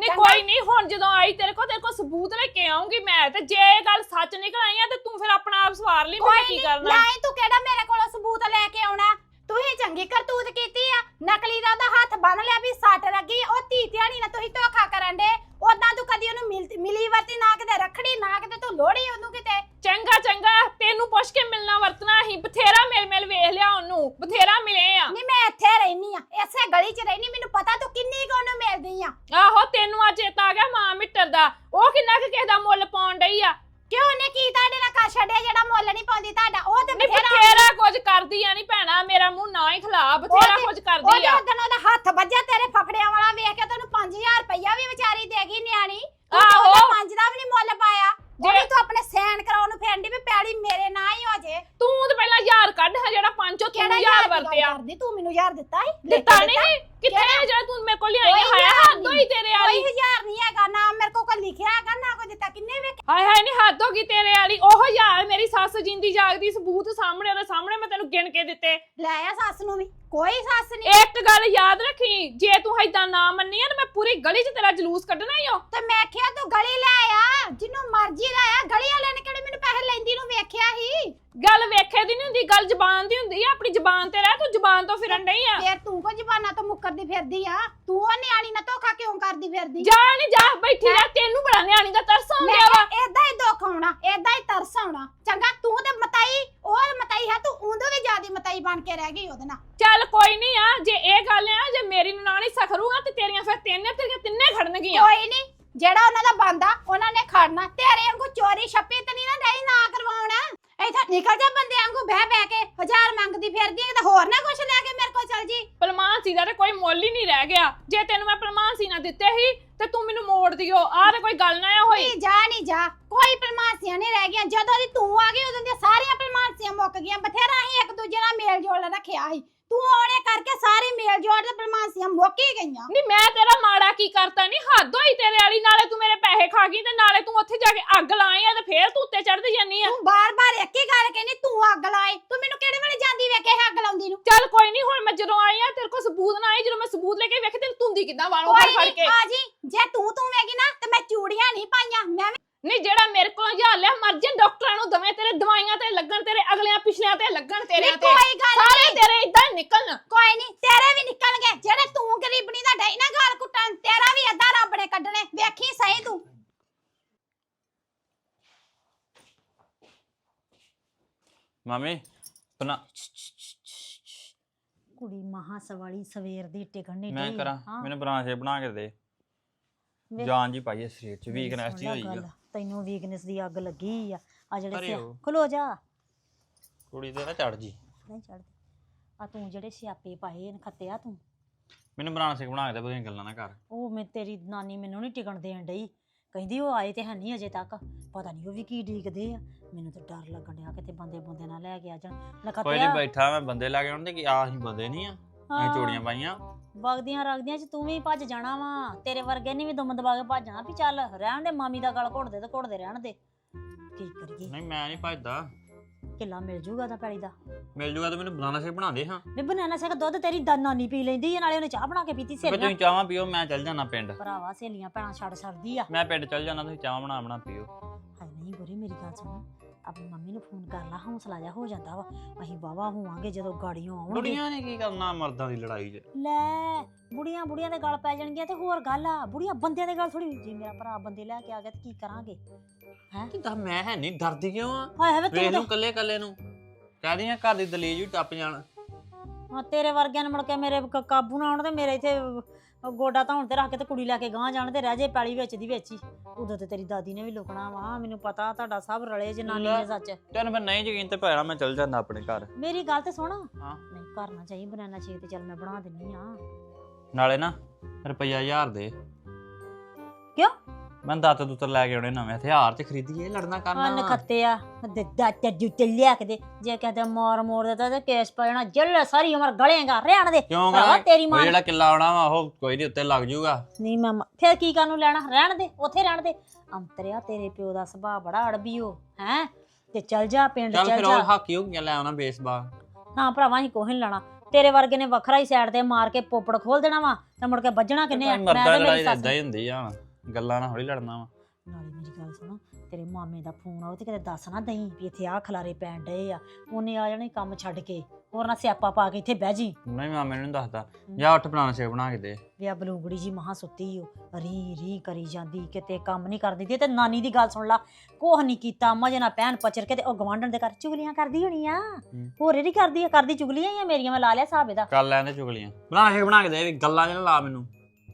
S2: ਤੇ ਕੋਈ ਨਹੀਂ ਹੁਣ ਜਦੋਂ ਆਈ ਤੇਰੇ ਕੋਲ ਸਬੂਤ ਲੈ ਕੇ ਆਉਂਗੀ ਮੈਂ ਤੇ ਜੇ ਇਹ ਗੱਲ ਸੱਚ ਨਿਕਲ ਆਈ ਆ ਤੇ ਤੂੰ ਫਿਰ ਆਪਣਾ ਆਪ ਸਵਾਰ ਲਈ ਮੈਂ ਕੀ ਕਰਨਾ
S4: ਨਹੀਂ ਤੂੰ ਕਿਹੜਾ ਮੇਰੇ ਕੋਲੋਂ ਸਬੂਤ ਲੈ ਕੇ ਆਉਣਾ ਤੁਸੀਂ ਚੰਗੀ ਕਰਤੂਤ ਕੀਤੀ ਆ ਨਕਲੀ ਦਾ ਉਹਦਾ ਹੱਥ ਬੰਨ ਲਿਆ ਵੀ ਸੱਟ ਲੱਗੀ ਉਹ ਧੀ ਧਿਆਣੀ ਨਾ ਤੁਸੀਂ ਧੋਖਾ ਕਰਨ ਦੇ ਉਦਾਂ ਤੂੰ ਕਦੀ ਉਹਨੂੰ ਮਿਲੀ ਵਰਤੀ ਨਾ ਕਿਤੇ ਰੱਖੜੀ ਨਾ ਕਿਤੇ ਤੂੰ ਲੋੜੀ ਉਹਨੂੰ ਕਿਤੇ
S2: ਚੰਗਾ ਤੈਨੂੰ ਪੁੱਛ ਕੇ ਮਿਲਣਾ ਵਰਤਣਾ ਅਸੀਂ ਬਥੇਰਾ ਮਿਲ ਵੇਖ ਲਿਆ ਉਹਨੂੰ ਬਥੇਰਾ ਮਿਲੇ ਆ
S4: ਨਹੀਂ ਮੈਂ ਇੱਥੇ ਰਹਿਨੀ ਆ ਇਸੇ ਗਲੀ 'ਚ ਰਹਿਨੀ ਮੈਨੂੰ ਪਤਾ ਤੂੰ ਕਿੰਨੀ ਕੁ ਉਹਨੂੰ ਮਿਲਦੀ ਆ
S2: ਆਹੋ ਤੈਨੂੰ ਅੱਜ ਚੇਤਾ ਆ ਗਿਆ ਮਾਂ ਮਿੱਟਰ ਦਾ ਉਹ ਕਿੰਨਾ ਕੁ ਕਿਸੇ ਦਾ ਮੁੱਲ ਪਾਉਣ ਡਈ ਆ
S4: ਕਿਉਂ ਉਹਨੇ ਕੀ ਤੁਹਾਡੇ ਨਾਲ ਕਰ ਛੱਡਿਆ ਜਿਹੜਾ ਮੁੱਲ ਨਹੀਂ ਪਾਉਂਦੀ ਤੁਹਾਡਾ ਉਹ ਤੇ
S2: ਨਹੀਂ ਬਥੇਰਾ ਕੁਝ ਕਰਦੀ ਆ ਨਹੀਂ ਭੈਣਾ ਮੇਰਾ ਮੂੰਹ ਨਾ ਹੀ ਖਲਾ ਬਥੇਰਾ ਕੁਝ ਕਰਦੀ ਆ
S4: ਉਹਦਾ ਹੱਥ ਵੱਜਿਆ ਤੇਰੇ ਫਫੜਿਆਂ ਵਾਲਾ ਵੇਖ ਕੇ ਤੈਨੂੰ 5000 ਰੁਪਇਆ ਵੀ ਵਿਚਾਰੀ ਦੇਗੀ ਨਿਆਣੀ
S2: ਆਹੋ।
S4: ਉਹਦਾ 5 ਦਾ ਵੀ ਨਹੀਂ ਮੁੱਲ ਪਾਇਆ ਜਿਹੜੀ ਤੂੰ ਆਪਣੇ ਸੈਨ ਕਰਾਉਣ ਨੂੰ ਫੇਰਦੀ ਵੀ ਪੈੜੀ ਮੇਰੇ ਨਾਂ ਹੀ ਹੋ ਜੇ
S2: ਤੂੰ ਤੇ ਪਹਿਲਾਂ ਯਾਰ ਕੱਢ ਹਾਂ ਜਿਹੜਾ 500
S4: ਕਿਹੜਾ
S2: ਯਾਰ ਵਰਤਿਆ
S4: ਕਰਦੀ ਤੂੰ ਮੈਨੂੰ ਯਾਰ ਦਿੱਤਾ ਸੀ
S2: ਦਿੱਤਾ ਨਹੀਂ ਕਿੱਥੇ ਜਿਹੜਾ ਤੂੰ ਮੇਰੇ ਕੋਲ ਲਿਆਈ
S4: ਕੋਈ
S2: ਹਾਇਆ
S4: ਯਾਰ
S2: ਹੱਦ ਹੋਈ ਤੇਰੇ ਵਾਲੀ
S4: ਕੋਈ ਹਜ਼ਾਰ ਨਹੀਂ ਹੈਗਾ ਨਾ ਮੇਰੇ ਕੋਲ ਕੋਈ ਲਿਖਿਆ ਹੈਗਾ ਨਾ ਕੋਈ ਦਿੱਤਾ ਕਿੰਨੇ ਵੇਖ
S2: ਹਾਏ ਨਹੀਂ ਹੱਦ ਹੋ ਗਈ ਤੇਰੇ ਵਾਲੀ ਉਹ ਯਾਰ ਮੇਰੀ ਸੱਸ ਜਿੰਦੀ ਜਾਗਦੀ ਸਬੂਤ ਸਾਹਮਣੇ ਉਹਦੇ ਸਾਹਮਣੇ ਮੈਂ ਤੈਨੂੰ ਗਿਣ ਕੇ ਦਿੱਤੇ
S4: ਲੈ ਆ ਸੱਸ ਨੂੰ ਵੀ ਕੋਈ ਸੱਸ ਨਹੀਂ
S2: ਇੱਕ ਗੱਲ ਯਾਦ ਰੱਖੀ ਜੇ ਤੂੰ ਏਦਾਂ ਨਾ ਮੰਨੀ ਆ ਤਾਂ ਮੈਂ ਪੂਰੀ ਗਲੀ 'ਚ ਤੇਰਾ ਜਲੂਸ ਕੱਢਣਾ ਹੀ ਓ
S4: ਤੇ ਮੈਂ ਕਿਹਾ ਤੂੰ ਗਲੀ ਲੈ ਆ ਜਿੰਨੂੰ ਮਰਜ਼ੀ ਲੈ ਆ ਗਲੀ ਵਾਲਿਆਂ ਨੇ ਕਿਹੜੇ ਮੈਨੂੰ ਪੈਸੇ ਲੈਂਦੀ ਨੂੰ ਵੇਖਿਆ ਸੀ
S2: ਗੱਲ ਵੇਖੇ ਦੀ ਨਹੀਂ ਹੁੰਦੀ ਗੱਲ ਜ਼ਬਾਨ ਦੀ ਹੁੰਦੀ ਆ ਆਪਣੀ ਜ਼ਬਾਨ ਤੇ ਰਹਿ ਤੂੰ ਜ਼ਬਾਨ ਤੋਂ ਫਿਰਨ ਨਹੀਂ ਆ
S4: ਫੇਰ ਤੂੰ ਕੋ ਜ਼ਬਾਨਾਂ ਤੋਂ ਮੁੱਕਰਦੀ ਫਿਰਦੀ ਆ ਤੂੰ ਉਹ ਨਿਆਣੀ ਨਾਲ ਧੋਖਾ ਕਿਉਂ ਕਰਦੀ ਫਿਰਦੀ
S2: ਜਾ ਨਹੀਂ ਜਾ ਬੈਠੀ ਰਹਿ ਤੈਨੂੰ ਬੜਾ ਨਿਆਣੀ ਦਾ ਤਰਸ ਆਉਂਦਾ ਵਾ
S4: ਏਦਾਂ ਹੀ ਦੁੱਖ ਆਉਣਾ ਏਦਾਂ ਹੀ ਤਰਸ ਆਉਣਾ ਚੰਗਾ ਤੂੰ ਤੇ ਮਤਾਈ ਉਹ ਮਤਾਈ ਹੈ ਤੂੰ ਉਹਦੋਂ ਵੀ ਜ਼ਿਆਦੀ ਮਤਾਈ ਬਣ ਕੇ ਰਹਿ ਗਈ ਉਹਦੇ ਨਾਲ
S2: ਚੱਲ ਕੋਈ ਨਹੀਂ ਆ ਜੇ ਇਹ ਗੱਲ ਆ ਜੇ ਮੇਰੀ ਨਨਾਣੀ ਸਖਰੂਗਾ ਤੇ ਤੇਰੀਆਂ ਫਿਰ ਤੇਰੀਆਂ ਤਿੰਨੇ ਖੜਨਗੀਆਂ
S4: ਕੋਈ ਨਹੀਂ ਜਿਹੜਾ ਉਹਨਾਂ ਦਾ ਬੰਦਾ ਉਹਨਾਂ ਨੇ ਖੜਨਾ ਤੇਰੇ ਵਾਂਗੂ ਚੋਰੀ ਛੱਪੀ ਤੇ ਨਹੀਂ ਨਾ ਰਹੀ ਨਾ ਕਰਵਾਉਣਾ ਇੱਥੇ ਨਿਕਲ ਜਾ ਬੰਦੇ ਵਾਂਗੂ ਬਹਿ ਕੇ 1000 ਮੰਗਦੀ ਫਿਰਦੀ ਹੈ ਤੇ ਹੋਰ ਨਾ ਕੁਛ ਲੈ ਕੇ ਮੇਰੇ ਕੋਲ ਚੱਲ ਜੀ
S2: ਪਲਮਾਨਸੀ ਦਾ ਤੇ ਕੋਈ ਮੁੱਲ ਹੀ ਨਹੀਂ ਰਹਿ ਗਿਆ ਜੇ ਤੈਨੂੰ ਮੈਂ ਪਲਮਾਨਸੀ ਨਾ ਦਿੱਤੇ ਸੀ ਤੇ ਤੂੰ ਮੈਨੂੰ ਮੋੜ ਦਿਓ ਆਹ ਤੇ ਕੋਈ ਗੱਲ ਨਾ ਹੋਈ
S4: ਨਹੀਂ ਜਾ ਕੋਈ ਪਲਮਾਸੀਆਂ ਨਹੀਂ ਰਹਿ ਗਈਆਂ ਜਦੋਂ ਦੀ ਤੂੰ ਆ ਗਈ ਉਦੋਂ ਦੀਆਂ ਸਾਰੀਆਂ ਪਲਮਾਸੀਆਂ ਮੁੱਕ ਗਈਆਂ ਬਥੇਰਾ ਹੀ ਇੱਕ ਦੂਜੇ ਨਾਲ ਮੇਲ ਜੋਲ ਰੱਖਿਆ ਸੀ ਤੂੰ ਆਉਣੇ ਕਰਕੇ ਸਾਰੇ ਮੇਲ ਜੋੜ ਤੇ ਪਲਮਾਸੀਆਂ ਮੁੱਕ ਹੀ ਗਈਆਂ
S2: ਨਹੀਂ ਮੈਂ ਤੇਰਾ ਮਾੜਾ ਕੀ ਕਰਤਾ ਨਹੀਂ ਹੱਦ ਹੋਈ ਤੇਰੇ ਵਾਲੀ ਨਾਲੇ ਤੂੰ ਮੇਰੇ ਪੈਸੇ ਖਾ ਗਈ ਤੇ ਨਾਲੇ ਤੂੰ ਉੱਥੇ ਜਾ ਕੇ ਅੱਗ ਲਾਈ ਆ ਤੇ ਫੇਰ ਤੂੰ ਉੱਤੇ ਚੜ੍ਹਦੀ ਜਾਨੀ ਆ
S4: ਤੂੰ ਬਾਰ-ਬਾਰ ਇੱਕ ਹੀ ਗੱਲ ਕਹਿੰਦੀ ਤੂੰ ਅੱਗ ਲਾਏ ਤੂੰ ਮੈਨੂੰ ਕਿਹੜੇ ਵੇਲੇ ਜਾਂਦੀ ਵੇਖੇ ਅੱਗ ਲਾਉਂਦੀ ਨੂੰ
S2: ਚੱਲ ਕੋਈ ਨਹੀਂ ਹੁਣ ਮੈਂ ਜਦੋਂ ਆਈ ਆ ਤੇਰੇ ਕੋਲ ਸਬੂਤ ਨਾ ਆਈ ਜਦੋਂ ਮੈਂ ਸਬੂਤ ਲੈ ਕੇ ਵੇਖੇ ਤੈਨੂੰ ਤੁੰਦੀ ਕਿੱਦਾਂ ਵਾਲੋਂ ਫੜ ਕੇ
S4: ਆ ਜੀ ਜੇ ਤੂੰ ਵੇਗੀ ਨਾ ਤੇ ਮੈਂ ਚੂੜੀਆਂ ਨਹੀਂ ਪਾਈਆਂ ਮੈਂ
S2: ਨਹੀਂ ਜਿਹੜਾ ਮੇਰੇ ਕੋਲ ਹਜ਼ਾਰ ਲਿਆ ਮਰ ਜੇ ਡਾਕਟਰਾਂ ਨੂੰ ਦਵੇਂ ਤੇਰੇ ਦਵਾਈਆਂ ਤੇ ਲੱਗਣ ਤੇਰੇ ਅਗਲਿਆਂ ਪਿਛਲਿਆਂ ਤੇ ਲੱਗਣ ਤੇਰੇ ਤੇ
S4: ਕੋਈ ਗੱਲ
S2: ਸਾਰੇ ਤੇਰੇ ਇਦਾਂ ਨਿਕਲਣ
S4: ਕੋਈ ਨਹੀਂ ਤੇਰੇ ਵੀ ਨਿਕਲਣਗੇ ਜਿਹੜੇ ਤੂੰ ਗਰੀਬਣੀ ਦਾ ਡਈ ਨਾ ਗਾਲ ਕੁੱਟਣ ਤੇਰਾ ਵੀ ਅੱਧਾ ਰੱਬ ਨੇ ਕੱਢਣੇ ਵੇਖੀ ਸਹੀ ਤੂੰ
S5: ਮਾਮੀ ਬਣਾ
S6: ਕੁੜੀ ਮਹਾ ਸਵਾਲੀ ਸਵੇਰ ਦੀ ਟਿਕਣ ਨਹੀਂ
S5: ਮੈਂ
S6: ਡਈ।
S5: ਕਰਾਂ
S6: ਹਾਂ,
S5: ਮੈਨੂੰ ਬਣਾ ਕੇ ਬਣਾ ਕੇ ਦੇ
S6: ਵੇਖ,
S5: ਜਾਨ ਜੀ ਪਾਈ ਸਰੀਰ ਚ
S6: ਮੇਰੀ
S5: ਵੀਕਨੈਸ
S6: ਸੁਣ
S5: ਜੀ
S6: ਲੈ
S5: ਹੋਈ
S6: ਗੱਲ,
S5: ਆ
S6: ਤੈਨੂੰ ਵੀਕਨੈਸ ਦੀ ਅੱਗ ਲੱਗੀ ਆ ਜਿਹੜੇ
S5: ਅਰੇ ਉਹ।
S6: ਖਲੋ ਜਾ
S5: ਕੁੜੀ ਤੇ ਨਾ ਚੜ ਜੀ
S6: ਨਹੀਂ ਚੜਦੀ ਆ ਤੂੰ ਜਿਹੜੇ ਸਿਆਪੇ ਪਾਏ ਨੇ ਖੱਤਿਆ ਤੂੰ
S5: ਮੈਨੂੰ ਬਣਾ ਕੇ ਬਣਾ ਕੇ ਦੇ ਬਦੀਆਂ ਗੱਲਾਂ ਨਾ ਕਰ
S6: ਉਹ ਮੈਂ ਤੇਰੀ ਨਾਨੀ ਮੈਨੂੰ ਨਹੀਂ ਟਿਕਣ ਦੇਣ ਡਈ ਕਹਿੰਦੀ ਉਹ ਆਏ ਤੇ ਹੈ ਨਹੀਂ ਅਜੇ ਤੱਕ ਪਤਾ ਨਹੀਂ ਉਹ ਵੀ ਕੀ ਡੀਕਦੇ ਆ ਮੈਨੂੰ ਤਾਂ ਡਰ ਲੱਗਣ ਡਿਆ ਕਿਤੇ ਬੰਦੇ ਨਾਲ ਲੈ ਕੇ ਆ ਜਾਣ
S5: ਕੋਈ
S6: ਨਖੱਤਿਆ
S5: ਨਹੀਂ ਬੈਠਾ ਮੈਂ ਬੰਦੇ ਲਾ ਕੇ ਆਉਣ ਤੇ ਕਿ ਆ ਅਸੀਂ ਬੰਦੇ ਨਹੀਂ ਆ ਅਸੀਂ ਚੋੜੀਆਂ ਪਾਈਆਂ
S6: ਵਗਦੀਆਂ ਰਗਦੀਆਂ ਚ ਤੂੰ ਵੀ ਭੱਜ ਜਾਣਾ ਵਾ ਤੇਰੇ ਵਰਗੇ ਨਹੀਂ ਵੀ ਦੁਮ ਦਬਾ ਕੇ ਭੱਜਣਾ ਵੀ ਚੱਲ ਰਹਿਣ ਦੇ ਮਾਮੀ ਦਾ ਗਲ ਘੁੱਟਦੇ ਤੇ ਘੁੱਟਦੇ ਰਹਿਣ ਦੇ ਕੀ ਕਰੀਏ
S5: ਨਹੀਂ ਮੈਂ ਨਹੀਂ ਭੱਜਦਾ
S6: ਕਿੱਲਾ ਮਿਲ ਜੂਗਾ ਤਾਂ ਪੈਲੀ ਦਾ
S5: ਮਿਲ ਜੂਗਾ ਤਾਂ ਮੈਨੂੰ ਬਨਾਨਾ ਸ਼ੇਕ ਬਣਾ ਦੇ ਹਾਂ
S6: ਮੈਂ ਬਨਾਨਾ ਸ਼ੇਕ ਦੁੱਧ ਤੇਰੀ ਨਾਨੀ ਪੀ ਲੈਂਦੀ ਆ ਨਾਲੇ ਉਹਨੇ ਚਾਹ ਬਣਾ ਕੇ ਪੀਤੀ
S5: ਫਿਰ
S6: ਸੇਲੀਆਂ
S5: ਤੁਸੀਂ ਚਾਹਾਂ ਪੀਓ ਮੈਂ ਚੱਲ ਜਾਣਾ ਪਿੰਡ
S6: ਭਰਾਵਾ ਸੇਲੀਆਂ ਭੈਣਾਂ ਛੱਡ ਸਕਦੀ ਆ
S5: ਮੈਂ ਪਿੰਡ ਚੱਲ ਜਾਣਾ ਤੁਸੀਂ ਚਾਹ ਬਣਾ ਪੀਓ
S6: ਹਾਏ ਨਹੀਂ ਗੁਰੀ ਮੇਰੀ ਗੱਲ ਸੁਣ ਆਪਣੀ ਮੰਮੀ ਨੂੰ ਫੋਨ ਕਰ ਲਾ ਹੌਸਲਾ ਜਾ ਹੋ ਜਾਂਦਾ ਵਾ ਅਸੀਂ ਵਾਵਾ ਹੋਵਾਂਗੇ ਜਦੋਂ ਗਾੜੀਆਂ ਆਉਣਗੇ
S5: ਬੁੜੀਆਂ ਨੇ ਕੀ ਕਰਨਾ ਮਰਦਾਂ ਦੀ ਲੜਾਈ 'ਚ
S6: ਲੈ ਬੁੜੀਆਂ ਦੇ ਗਲ ਪੈ ਜਾਣਗੀਆਂ ਤੇ ਹੋਰ ਗੱਲ ਆ ਬੁੜੀਆਂ ਬੰਦਿਆਂ ਦੇ ਗਲ ਥੋੜੀ ਜੇ ਮੇਰਾ ਭਰਾ ਬੰਦੇ ਲੈ ਕੇ ਆ ਗਿਆ ਤੇ ਕੀ ਕਰਾਂਗੇ
S5: ਕਿ ਤਾਂ ਮੈਂ ਹੈ ਨਹੀਂ ਡਰਦੀ ਕਿਉਂ ਆ
S6: ਹਾਏ ਹਾਏ ਵੇ
S5: ਵੇਖ
S6: ਤੂੰ
S5: ਲੂੰ ਕੱਲੇ ਨੂੰ ਕਹਦੀਆਂ ਘਰ ਦੀ ਦਲੀਜ ਵੀ ਟੱਪ ਜਾਣ
S6: ਹਾਂ ਤੇਰੇ ਵਰਗਿਆਂ ਨੇ ਮੁੜ ਕੇ ਮੇਰੇ ਕਾਬੂ ਨਾ ਆਉਣ ਤੇ ਮੇਰੇ ਇੱਥੇ ਗੋਡਾ ਧੌਣ ਤੇ ਰੱਖ ਕੇ ਤੇ ਕੁੜੀ ਲੈ ਕੇ ਗਾਂ ਜਾਣ ਤੇ ਰਹਿ ਜੇ ਪੈਲੀ ਵਿੱਚ ਦੀ ਵਿੱਚ ਹੀ ਉਦੋਂ ਤੇ ਤੇਰੀ ਦਾਦੀ ਨੇ ਵੀ ਲੁਕਣਾ ਵਾ ਮੈਨੂੰ ਪਤਾ ਤੁਹਾਡਾ ਸਭ ਰਲੇ ਜਨਾਨੀ ਨੇ ਸੱਚ
S5: ਤੈਨੂੰ ਫਿਰ ਨਹੀਂ ਯਕੀਨ ਤੇ ਪੈਣਾ ਮੈਂ ਚੱਲ ਜਾਂਦਾ ਆਪਣੇ ਘਰ
S6: ਮੇਰੀ ਗੱਲ ਤੇ ਸੁਣ
S5: ਹਾਂ।
S6: ਨਹੀਂ ਕਰਨਾ ਚਾਹੀਏ ਬਨਾਨਾ ਸ਼ੇਕ ਤੇ ਚੱਲ ਮੈਂ ਬਣਾ ਦਿੰਨੀ ਆ
S5: ਨਾਲੇ ਨਾ ਰੁਪਈਆ 1000 ਦੇ
S6: ਕਿਉਂ?
S5: ਮੈਂ ਦਾਤ ਦੁੱਤਰ ਲੈ ਕੇ ਆਉਣੇ ਨਵੇਂ ਹਥਿਆਰ ਤੇ ਖਰੀਦੀਏ ਲੜਨਾ ਕਰਨਾ
S6: ਅੰਨ ਖੱਤੇ ਆ ਦਾਤੇ ਜੁੱਤੇ ਲਿਆ ਕੇ ਦੇ ਜੇ ਕਹਤੇ ਮੋੜ ਦਿੱਤਾ ਤੇ ਕੇਸ ਪੈਣਾ ਜੱਲ ਸਾਰੀ ਉਮਰ ਗਲੇਗਾ ਰਹਿਣ ਦੇ
S5: ਕਿਉਂ
S6: ਭਰਾਵਾ ਤੇਰੀ ਮਾਂ
S5: ਜਿਹੜਾ ਕਿੱਲਾ ਆਉਣਾ ਵਾ ਉਹ ਕੋਈ ਨਹੀਂ ਉੱਤੇ ਲੱਗ ਜਾਊਗਾ
S6: ਨਹੀਂ ਮੈਂ ਫਿਰ ਕੀ ਕਰਨ ਨੂੰ ਲੈਣਾ ਰਹਿਣ ਦੇ ਉੱਥੇ ਰਹਿਣ ਦੇ ਅੰਤਰਿਆ ਤੇਰੇ ਪਿਓ ਦਾ ਸੁਭਾਅ ਬੜਾ ਅੜਬੀ ਹੋ ਹੈ ਤੇ ਚੱਲ ਜਾ ਪਿੰਡ
S5: ਚੱਲ
S6: ਚੱਲ
S5: ਫਿਰ
S6: ਜਾ
S5: ਉਹ ਹਾਕੀ ਹੋ ਗਿਆ ਲੈ ਆਉਣਾ ਬੇਸਬਾਲ
S6: ਨਾ ਭਰਾਵਾ ਅਸੀਂ ਕੋਹ ਨੀ ਲੈਣਾ ਤੇਰੇ ਵਰਗੇ ਨੇ ਵੱਖਰਾ ਹੀ ਸਾਈਡ ਤੇ ਮਾਰ ਕੇ ਪੋਪੜ ਖੋਲ ਦੇਣਾ ਵਾ ਤੇ ਮੁੜ ਕੇ ਵੱਜਣਾ ਕਿੰਨੇ ਆ?
S5: ਮਰਦਾ
S6: ਤੇ ਮੇਰੀ
S5: ਲੜਾਈ
S6: ਸੱਸ।
S5: ਇਦਾਂ ਹੀ ਹੁੰਦੀ ਆ ਗੱਲਾਂ ਨਾਲ ਹੌਲੀ ਲੜਨਾ ਵਾ।
S6: ਨਾਲੇ ਮੇਰੀ ਗੱਲ ਸੁਣੋ, ਤੇਰੇ ਮਾਮੇ ਦਾ ਫੋਨ ਆਉ ਤੇ ਕਿਤੇ ਦੱਸ ਨਾ ਦਈ ਵੀ ਇੱਥੇ ਆਹ ਖਲਾਰੇ ਪੈਣ ਡਏ ਆ। ਉਹਨੇ ਆ ਜਾਣਾ ਕੰਮ ਛੱਡ ਕੇ, ਹੋਰ ਨਾ ਸਿਆਪਾ ਪਾ ਕੇ ਇੱਥੇ ਬਹਿ ਜੀ।
S5: ਨਹੀਂ ਮਾਮੇ ਨੂੰ ਨੀ ਦੱਸਦਾ, ਜਾ ਉੱਠ ਬਣਾਣਾ ਸ਼ੇਕ ਬਣਾ ਕੇ ਦੇ।
S6: ਵੀ ਆ ਬਲੂੰਗੜੀ ਜੀ ਮਹਾ ਸੁੱਤੀ ਓ ਰੀ ਰੀ ਕਰੀ ਜਾਂਦੀ, ਕਿਤੇ ਕੰਮ ਨਹੀਂ ਕਰਦੀ ਤੇ ਨਾਨੀ ਦੀ ਗੱਲ ਸੁਣ ਲਾ, ਕੋਹ ਨਹੀਂ ਕੀਤਾ ਮਜੇ ਨਾਲ ਪੈਣ ਪਚਰ ਕੇ ਤੇ ਉਹ ਗਵਾਂਢਣ ਦੇ ਘਰ ਚੁਗਲੀਆਂ ਕਰਦੀ ਹੋਣੀ ਆ। ਹੋਰ ਇਹਦੀ ਕਰਦੀ ਆ, ਕਰਦੀ ਚੁਗਲੀਆਂ ਹੀ ਆ ਮੇਰੀਆਂ, ਮੈਂ ਲਾ ਲਿਆ ਹਿਸਾਬ ਇਹਦਾ।
S5: ਕਰ ਲੈਂਦੇ ਚੁਗਲੀਆਂ, ਬਣਾ ਸ਼ੇਕ ਬਣਾ ਕੇ ਦੇ, ਵੀ ਗੱਲਾਂ 'ਚ ਨਾ ਲਾ ਮੈਨੂੰ।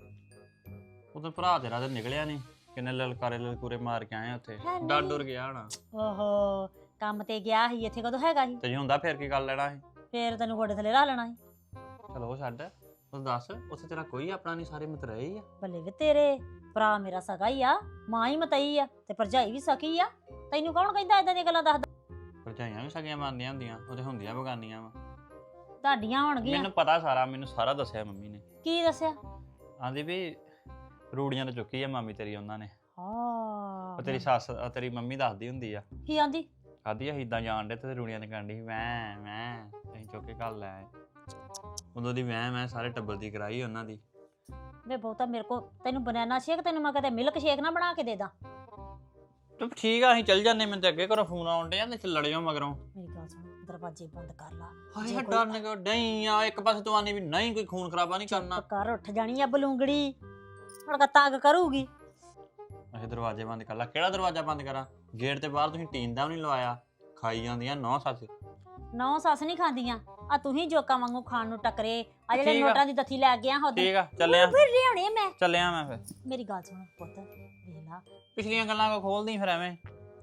S5: ਉਦੋਂ ਭਰਾ ਤੇਰਾ ਤੇ ਨਿਕਲਿਆ ਨਹੀਂ, ਕਿੰਨੇ ਲਲਕਾਰੇ ਲਲਕੂਰੇ ਮਾਰ ਕੇ ਆਏ ਉੱਥੇ,
S6: ਹੈ ਨੀ।
S5: ਡਰ ਡੁਰ ਗਿਆ ਹਣਾ।
S6: ਓਹੋ ਕੰਮ ਤੇ ਗਿਆ ਸੀ, ਇੱਥੇ ਕਦੋਂ ਹੈਗਾ ਸੀ?
S5: ਤੇ ਜੇ ਹੁੰਦਾ ਫਿਰ ਕੀ ਕਰ ਲੈਣਾ ਸੀ?
S6: ਫੇਰ ਤੈਨੂੰ ਗੋਡੇ ਥੱਲੇ ਲਾ ਲੈਣਾ ਸੀ।
S5: ਚਲੋ ਉਹ ਛੱਡ, ਤੂੰ ਦੱਸ ਉੱਥੇ ਤੇਰਾ ਕੋਈ ਆਪਣਾ ਨਹੀਂ, ਸਾਰੇ ਮਤਰੇਈ ਹੀ ਆ।
S6: ਬੱਲੇ ਵੇ ਤੇਰੇ ਭਰਾ ਮੇਰਾ ਸਗਾ ਹੀ ਆ, ਮਾਂ ਹੀ ਮਤਈ ਆ ਤੇ ਭਰਜਾਈ ਵੀ ਸਕੀ ਆ। ਤੈਨੂੰ ਕੌਣ ਕਹਿੰਦਾ ਏਦਾਂ ਦੀਆਂ ਗੱਲਾਂ ਦੱਸਦਾ?
S5: ਭਰਜਾਈਆਂ ਵੀ ਸਗੀਆਂ ਮੰਨਦੀਆਂ ਹੁੰਦੀਆਂ, ਉਹ ਤੇ ਹੁੰਦੀਆਂ ਬਗਾਨੀਆਂ ਵਾ।
S6: ਤੁਹਾਡੀਆਂ ਹੋਣਗੀਆਂ।
S5: ਮੈਨੂੰ ਪਤਾ ਸਾਰਾ, ਮੈਨੂੰ ਸਾਰਾ ਦੱਸਿਆ ਮੰਮੀ ਨੇ।
S6: ਕੀ ਦੱਸਿਆ?
S5: ਆਂਦੀ ਵੀ ਰੂੜੀਆਂ ਤੇ ਚੁੱਕੀ ਆ ਮਾਮੀ ਤੇਰੀ ਉਹਨਾਂ ਨੇ।
S6: ਹਾਂ
S5: ਉਹ ਤੇਰੀ ਸੱਸ ਤੇਰੀ ਮੰਮੀ ਦੱਸਦੀ ਹੁੰਦੀ ਆ,
S6: ਕੀ ਆਂਦੀ?
S5: ਆਦੀ ਆ ਇਦਾਂ ਜਾਣ ਡੇ ਤੇ ਰੂੜੀਆਂ ਤੇ ਕਾਂਡੀ ਮੈਂ ਅਸੀਂ ਚੁੱਕ ਕੇ ਘਰ ਲੈ ਆਏ। ਉਦੋਂ ਦੀ ਮੈਂ ਸਾਰੇ ਟੱਬਰ ਦੀ ਕਰਾਈ ਉਹਨਾਂ ਦੀ।
S6: ਵੇ ਬਹੁਤਾ ਮੇਰੇ ਕੋ ਤੈਨੂੰ ਬਨਾਨਾ ਸ਼ੇਕ, ਤੈਨੂੰ ਮੈਂ ਕਦੇ ਮਿਲਕ ਸ਼ੇਕ ਨਾ ਬਣਾ ਕੇ ਦੇ ਦਾਂ।
S5: ਤੇ ਠੀਕ ਆ, ਅਸੀਂ ਚੱਲ ਜਾਂਦੇ, ਮੈਨੂੰ ਤੇ ਅੱਗੇ ਘਰੋਂ ਫੋਨ ਆਉਣ ਡਿਆ ਤੇ ਲੜਿਓ ਮਗਰੋਂ।
S6: ਮੇਰੀ ਗੱਲ ਸੁਣ, ਦਰਵਾਜ਼ੇ ਬੰਦ ਕਰ ਲਾ।
S5: ਹਾਏ
S6: ਜੇ ਕੋਈ
S5: ਡਰਨ ਕਿਉਂ ਡਈ ਆ? ਇੱਕ ਪਾਸੇ ਤੂੰ ਆਨੀ ਵੀ ਨਹੀਂ ਕੋਈ ਖੂਨ ਖਰਾਬਾ ਨਹੀਂ ਕਰਨਾ।
S6: ਕਰ ਉੱਠ ਜਾਣੀ ਆ ਬਲੂੰਗੜੀ, ਹੁਣ ਕਾ ਤੰਗ ਕਰੂਗੀ।
S5: ਅਸੀਂ ਦਰਵਾਜ਼ੇ ਬੰਦ ਕਰ ਲਾ। ਕਿਹੜਾ ਦਰਵਾਜ਼ਾ ਬੰਦ ਕਰਾਂ? ਗੇਟ ਤੇ ਬਾਹਰ ਤੁਸੀਂ ਟੀਨ ਦਾ ਵੀ ਨਹੀਂ ਲਵਾਇਆ, ਖਾਈ ਜਾਂਦੀਆਂ ਨੌ ਸੱਸ।
S6: ਨੌ ਸੱਸ ਨਹੀਂ ਖਾਂਦੀਆਂ, ਆ ਤੂੰ ਹੀ ਜੋਕਾਂ ਵਾਂਗੂ ਖਾਣ ਨੂੰ ਟੱਕਰੇ। ਆ ਜਿਹੜੇ
S5: ਠੀਕ ਆ।
S6: ਨੋਟਾਂ ਦੀ ਦਥੀ ਲੈ ਗਿਆ ਉਹਦੇ
S5: ਠੀਕ ਆ, ਚੱਲਿਆ
S6: ਫਿਰ ਲਿਆਉਣੇ ਮੈਂ।
S5: ਚੱਲਿਆ ਮੈਂ ਫਿਰ।
S6: ਮੇਰੀ ਗੱਲ ਸੁਣ ਪੁੱਤ, ਵੇਖ ਲਾ
S5: ਪਿਛਲੀਆਂ ਗੱਲਾਂ ਕੋ ਖੋਲਦੀ ਫਿਰ ਐਵੇਂ।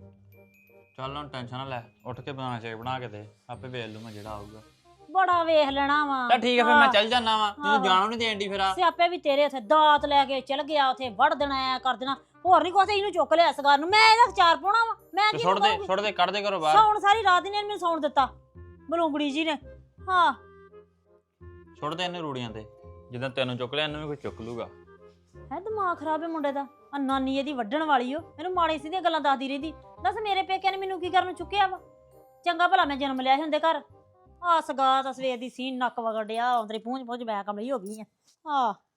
S5: ਚੱਲ ਹੁਣ ਟੈਨਸ਼ਨ ਨਾ ਲੈ, ਉੱਠ ਕੇ ਬਣਾ ਸ਼ੇਕ ਬਣਾ ਕੇ ਦੇ, ਆਪੇ ਵੇਖ ਲੂ ਮੈਂ ਜਿਹੜਾ ਆਊਗਾ।
S6: ਬੜਾ ਵੇਖ ਲੈਣਾ ਵਾ।
S5: ਚੱਲ ਠੀਕ ਆ, ਫਿਰ ਮੈਂ
S6: ਆਹ,
S5: ਚੱਲ ਜਾਣਾ ਵਾ,
S6: ਆਹੋ।
S5: ਤੈਨੂੰ ਜਾਣੋਂ ਨਹੀਂ ਦੇਣ ਦੀ ਫਿਰ ਆ।
S6: ਸਿਆਪੇ ਵੀ ਤੇਰੇ ਉੱਥੇ ਦਾਤ ਲੈ ਕੇ ਚਲ ਗਿਆ, ਉੱਥੇ ਵੜ ਦੇਣਾ ਐ ਕਰ ਦੇਣਾ, ਹੋਰ ਨਹੀਂ ਕੁਛ। ਇਹਨੂੰ ਚੁੱਕ ਲਿਆ ਸਗਾਰ ਨੂੰ, ਮੈਂ ਇਹਦਾ ਚਾਰ ਪਾਉਣਾ ਵਾ। ਮੈਂ
S5: ਤੇ
S6: ਕੀ
S5: ਸੁੱਟ ਦੇ ਕੱਢ ਦੇ ਘਰੋਂ ਬਾਹਰ।
S6: ਸੌਣ ਸਾਰੀ ਰਾਤ ਹੀ ਨੇ ਮੈਨੂੰ ਸੌਣ ਦਿੱਤਾ ਬਲੂੰਗੜੀ ਜੀ ਨੇ। ਹਾਂ
S5: ਸੁੱਟ ਦੇ ਇਹਨੂੰ ਰੂੜੀਆਂ ਤੇ, ਜਿੱਦਾਂ ਤੈਨੂੰ ਚੁੱਕ ਲਿਆ ਇਹਨੂੰ ਵੀ ਕੋਈ ਚੁੱਕ ਲੂਗਾ।
S6: ਹੈ ਦਿਮਾਗ ਖਰਾਬ ਹੈ ਮੁੰਡੇ ਦਾ। ਆ ਨਾਨੀ ਇਹਦੀ ਵੱਢਣ ਵਾਲੀ ਓ, ਇਹਨੂੰ ਮਾੜੀ ਸਿੱਧੀਆਂ ਗੱਲਾਂ ਦੱਸਦੀ ਰਹਿੰਦੀ। ਦੱਸ ਮੇਰੇ ਪੇਕਿਆਂ ਨੇ ਮੈਨੂੰ ਕੀ ਕਰਨ ਨੂੰ ਚੁੱਕਿਆ ਵਾ? ਚੰਗਾ ਭਲਾ ਮੈਂ ਜਨਮ ਲਿਆ ਸੀ ਹੁੰਦੇ ਘਰ। ਆ ਸਗਾ ਤਾਂ ਸਵੇਰ ਦੀ ਸੀਨ ਨੱਕ ਵਗੜਿਆ, ਅੰਦਰੇ ਪੂੰਝ ਬੈ ਕਮਲੀ ਹੋ ਗਈ ਆ। ਆ